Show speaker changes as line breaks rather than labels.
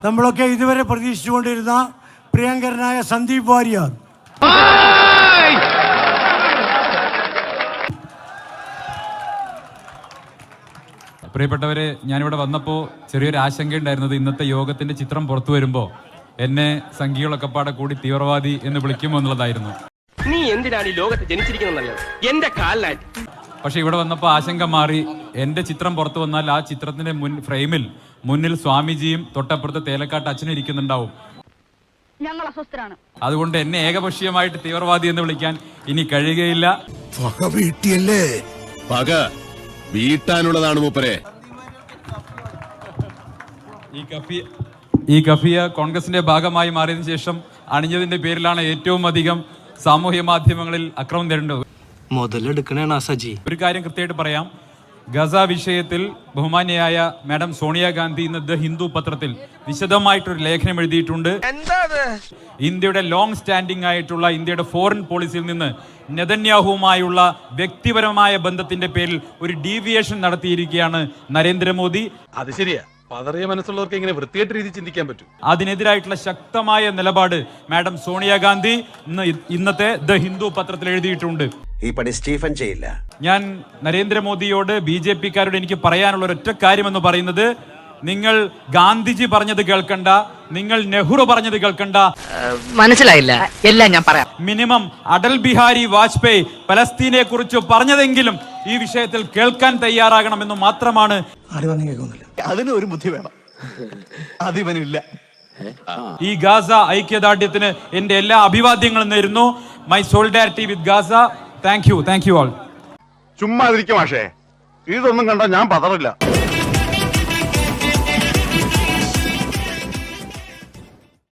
നമ്മളൊക്കെ ഇതുവരെ പ്രതീക്ഷിച്ചുകൊണ്ടിരുന്ന പ്രിയങ്കരനായ സന്ദീപ് വാര്യർ.
പ്രിയപ്പെട്ടവരെ, ഞാനിവിടെ വന്നപ്പോൾ ചെറിയൊരു ആശങ്കയുണ്ടായിരുന്നത് ഇന്നത്തെ യോഗത്തിന്റെ ചിത്രം പുറത്തു വരുമ്പോൾ എന്നെ സംഘികളൊക്കെ പാടെ കൂടി തീവ്രവാദി എന്ന് വിളിക്കുമോ എന്നുള്ളതായിരുന്നു.
നീ എന്തിനാണ് ഈ ലോകത്ത് ജനിച്ചിരിക്കുന്നത്? എന്റെ കാലിലായിട്ട്.
പക്ഷെ ഇവിടെ വന്നപ്പോൾ ആശങ്ക മാറി. എന്റെ ചിത്രം പുറത്തു വന്നാൽ ആ ചിത്രത്തിന്റെ ഫ്രെയിമിൽ മുന്നിൽ സ്വാമിജിയും തൊട്ടപ്പുറത്ത് തേലക്കാട്ട് അച്ഛനും ഇരിക്കുന്നുണ്ടാവും. അതുകൊണ്ട് എന്നെ ഏകപക്ഷീയമായിട്ട് തീവ്രവാദി എന്ന് വിളിക്കാൻ ഇനി കഴിയുകയില്ല.
വീട്ടാനുള്ളതാണ് മൂപ്പരെ.
ഈ കഫിയ കോൺഗ്രസിന്റെ ഭാഗമായി മാറിയതിനു ശേഷം അണിഞ്ഞതിന്റെ പേരിലാണ് ഏറ്റവും അധികം സാമൂഹ്യ മാധ്യമങ്ങളിൽ അക്രമം നേരിടുന്നത്.
മുതലെടുക്കണേണ് സജി.
ഒരു കാര്യം കൃത്യമായിട്ട് പറയാം. ഗസ വിഷയത്തിൽ ബഹുമാന്യയായ മാഡം സോണിയാഗാന്ധി ഇന്ന് ദ ഹിന്ദു പത്രത്തിൽ വിശദമായിട്ടൊരു ലേഖനം എഴുതിയിട്ടുണ്ട്. ഇന്ത്യയുടെ ലോങ് സ്റ്റാൻഡിംഗ് ആയിട്ടുള്ള ഇന്ത്യയുടെ ഫോറിൻ പോളിസിയിൽ നിന്ന് നെതന്യാഹുവുമായുള്ള വ്യക്തിപരമായ ബന്ധത്തിന്റെ പേരിൽ ഒരു ഡീവിയേഷൻ നടത്തിയിരിക്കുകയാണ് നരേന്ദ്രമോദി.
അത് ശരിയാ. പതറിയ മനസ്സുള്ളവർക്ക് ഇങ്ങനെ വൃത്തിയായിട്ട് രീതി ചിന്തിക്കാൻ പറ്റും.
അതിനെതിരായിട്ടുള്ള ശക്തമായ നിലപാട് മാഡം സോണിയാഗാന്ധി ഇന്നത്തെ ദ ഹിന്ദു പത്രത്തിൽ എഴുതിയിട്ടുണ്ട്.
ഈ പണി സ്റ്റീഫൻ ചെയ്യില്ല.
ഞാൻ നരേന്ദ്രമോദിയോട് ബിജെപിക്കാരോട് എനിക്ക് പറയാനുള്ള ഒരൊറ്റ കാര്യമെന്ന് പറയുന്നത്, നിങ്ങൾ ഗാന്ധിജി പറഞ്ഞത് കേൾക്കണ്ട, നിങ്ങൾ നെഹ്റു പറഞ്ഞത് കേൾക്കണ്ട.
മനസ്സിലായില്ല, എല്ലാം ഞാൻ പറയാം.
മിനിമം അടൽ ബിഹാരി വാജ്പേയി പലസ്തീനെ കുറിച്ച് പറഞ്ഞതെങ്കിലും ഈ വിഷയത്തിൽ കേൾക്കാൻ തയ്യാറാകണമെന്ന് മാത്രമാണ്.
അതിന് ഒരു ബുദ്ധി വേണം, അതിവനില്ല.
ഈ ഗാസ ഐക്യദാർഢ്യത്തിന് എന്റെ എല്ലാ അഭിവാദ്യങ്ങളും നേരുന്നു. My solidarity with Gaza. Thank you all.
ചുമ്മാ ഇരിക്കും. പക്ഷേ ഇതൊന്നും കണ്ടാ ഞാൻ പതറില്ല.